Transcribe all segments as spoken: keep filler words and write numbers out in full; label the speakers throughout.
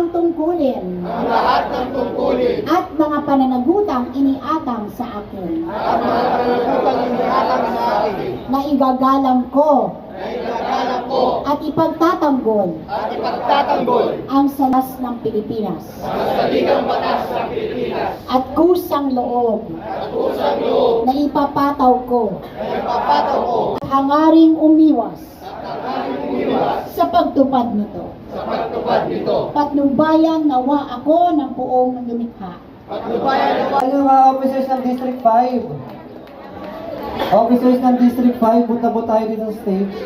Speaker 1: ng tungkulin
Speaker 2: ang lahat ng tungkulin
Speaker 1: at mga pananagutang iniatang sa akin
Speaker 2: at mga pananagutang iniatang sa akin
Speaker 1: na igagalang ko
Speaker 2: na igagalang ko
Speaker 1: at ipagtatanggol
Speaker 2: at ipagtatanggol
Speaker 1: ang salas ng Pilipinas
Speaker 2: ang saligang batas ng Pilipinas
Speaker 1: at kusang loob
Speaker 2: at kusang loob
Speaker 1: na ipapataw ko
Speaker 2: na ipapataw ko
Speaker 1: at hangaring umiwas
Speaker 2: at ang umiwas
Speaker 1: sa pagtupad nito.
Speaker 2: sa pagtupad nito.
Speaker 1: Patnubayan nawa ako ng buong lumikha.
Speaker 2: Patnubayan nawa
Speaker 3: Ano mga officers ng District five? Officers ng District five, punta po tayo dito sa stage.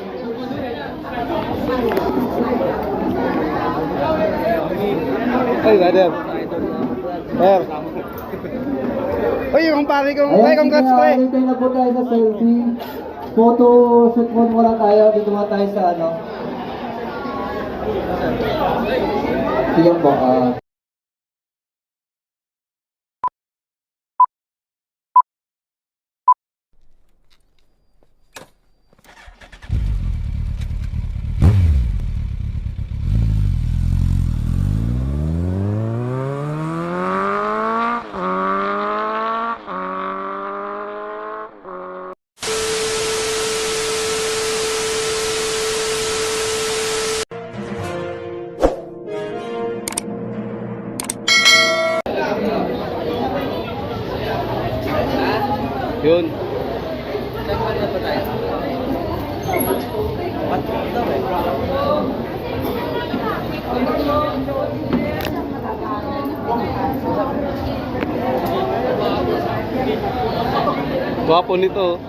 Speaker 4: Ay, brother. Sir. Uy, yung pare kong, ay, congrats pre.
Speaker 3: Ayan, na po tayo sa selfie. Photo shoot mo muna tayo. Dito muna tayo sa ano. Sige po, ah.
Speaker 4: Yun. Gwapo nito.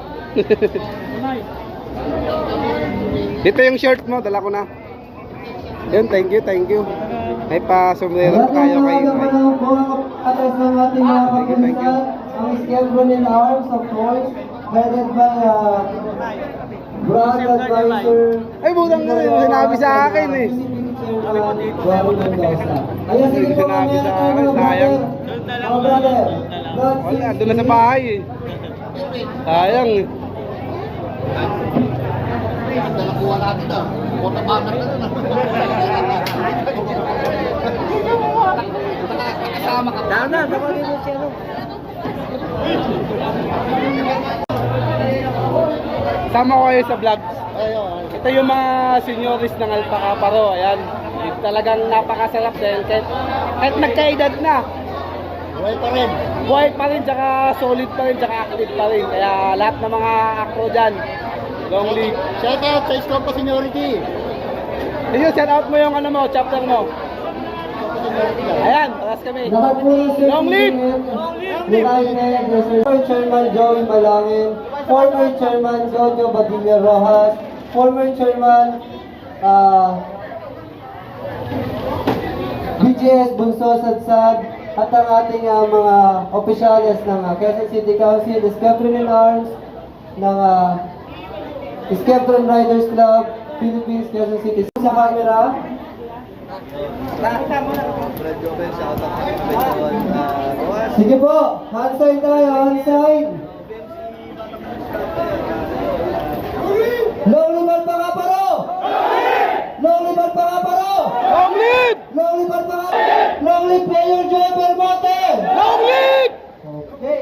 Speaker 4: Dito yung shirt mo, dala ko na. Yun, thank you, thank you. May pa-sombrero pa kayo kay
Speaker 3: Magandang umaga po ang atas ng ating mga kapulisan, ang Squadron Arms of Force, headed by uh, Brand Advisor.
Speaker 4: Ay, budang na rin, sinabi sa akin eh.
Speaker 3: Kaya sige po,
Speaker 4: Sinabi
Speaker 3: mamaya
Speaker 4: sa
Speaker 3: tayo
Speaker 4: akin,
Speaker 3: mga
Speaker 4: sayang.
Speaker 3: brother. Mga brother, God
Speaker 4: Wala,
Speaker 3: save
Speaker 4: doon na sa
Speaker 3: you.
Speaker 4: bahay eh. Sayang eh.
Speaker 2: nakuha natin ah. Kota bakit na na. Kasama ka.
Speaker 3: Dana, dapat din siya no.
Speaker 4: Sama ko kayo sa vlogs. Ito yung mga senyoris ng Alpaca Paro. Ayan. Talagang napakasarap dahil kahit, kahit nagkaedad na.
Speaker 2: Buhay pa rin.
Speaker 4: Buhay pa rin, tsaka solid pa rin, tsaka active pa rin. Kaya lahat ng mga acro dyan, long league.
Speaker 2: Shout out sa Scopa Seniority.
Speaker 4: Ayun, shout out mo yung ano mo, chapter mo. Ayan, paras kami.
Speaker 3: Lahat po ng safety
Speaker 4: Long live!
Speaker 3: Lieutenant, Mister Chairman Joey Malangin, former Chairman Jojo Badilla Rojas, former Chairman uh, B J S Bunso Sadsad, at ang ating uh, mga opisyales ng uh, Quezon City Council, Squadron Arms, ng uh, Squadron Riders Club, Philippines, Quezon City. Sa camera. Sige po, hand sign tayo, hand sign. Long libat pa nga paro! Long libat pa nga paro!
Speaker 4: Long lead!
Speaker 3: Long libat pa nga! Long libat player Joe Belmonte!
Speaker 4: Long lead!
Speaker 3: Okay.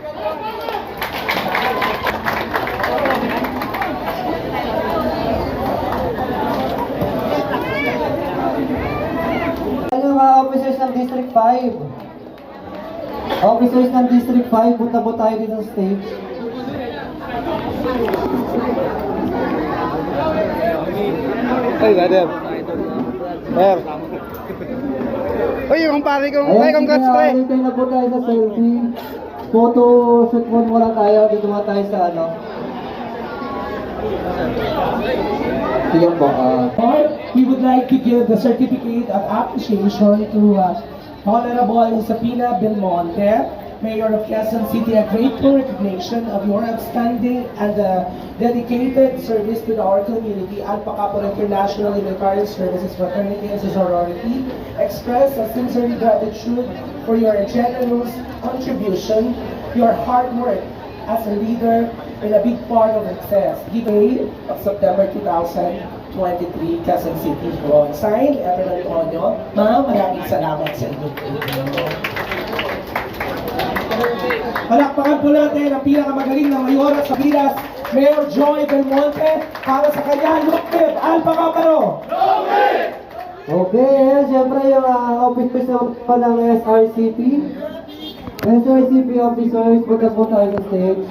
Speaker 3: Ano mga officers ng District five? Officers ng District five, punta po tayo dito sa stage.
Speaker 4: Ay, brother. Sir. Uy, yung pare kong, ay, congrats pre.
Speaker 3: Ayan, na po tayo sa selfie. Photo shoot mo muna tayo. Dito muna tayo sa ano. Sige po, ah.
Speaker 5: We would like to give the certificate of appreciation to uh, Honorable Sabina Belmonte, Mayor of Quezon City, a grateful recognition of your outstanding and uh, dedicated service to our community. Alpaca Paro International Military Services Fraternity and Sorority express a sincere gratitude for your generous contribution, your hard work as a leader and a big part of success. Given of September two thousand twenty-three, Quezon City. O, signed, Ever Antonio. Ma'am, maraming salamat sa inyo. Palakpakan po natin ang pinakamagaling na mayora sa Pinas, Mayor Joy Belmonte, para sa kanya, Lukib Alpha Caparo.
Speaker 3: Okay, eh, siyempre yung uh, officers naman po ng S R C P. S R C P officers, punta po tayo sa stage.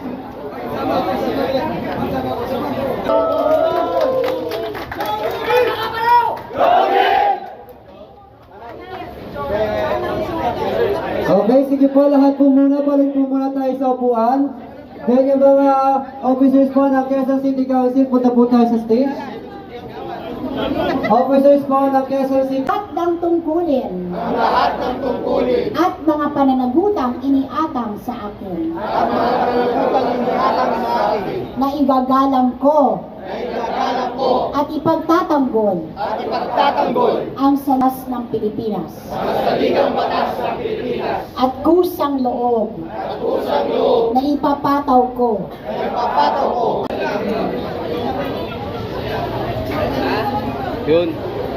Speaker 3: Okay, sige po, lahat po muna, balik po muna tayo sa upuan. Then yung mga officers po ng Quezon City Council, punta po tayo sa stage. Officers po ng Quezon City.
Speaker 1: At ng tungkulin
Speaker 2: Ang lahat ng tungkulin
Speaker 1: at mga pananagutang iniatang sa akin
Speaker 2: at mga pananagutan inihatang sa akin
Speaker 1: na igagalang ko
Speaker 2: na igagalang ko
Speaker 1: at ipagtatanggol
Speaker 2: at ipagtatanggol
Speaker 1: ang salas ng Pilipinas
Speaker 2: ang saligang batas ng Pilipinas
Speaker 1: at kusang loob
Speaker 2: at kusang loob
Speaker 1: na ipapataw ko
Speaker 2: na ipapataw ko.
Speaker 4: Yun.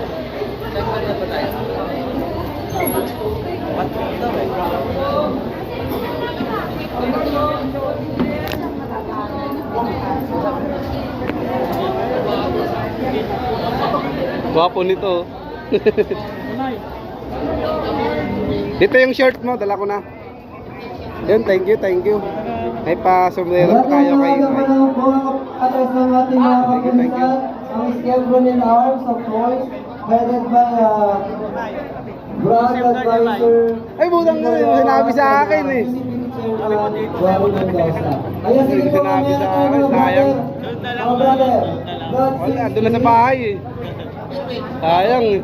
Speaker 4: Gwapo nito. Dito yung shirt mo, dala ko na. Yun, thank you, thank you. May pa sombrero pa tayo kay
Speaker 3: Maraming mga po ang atas ng ating mga kapulisan, ang Squadron Arms, of course, headed by uh, Brad Advisor.
Speaker 4: Ay, budang na yun, sinabi sa akin eh.
Speaker 3: Ayan, sige po,
Speaker 4: Sinabi sa
Speaker 3: mga
Speaker 4: akin, sayang.
Speaker 3: Mga brother, Brad,
Speaker 4: Wala, doon na sa bahay eh. Sayang eh.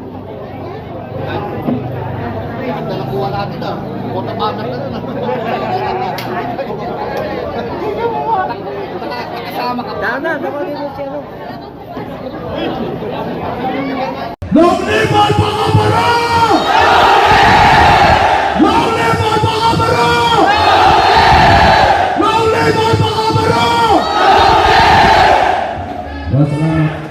Speaker 2: Ang dalakuha natin ah. Kota banner na na. Nakasama ka.
Speaker 4: Dana, dapat mo siya no.
Speaker 6: Long live Alpha Caparo! Long live Alpha Caparo! Long live Alpha Caparo! Salamat.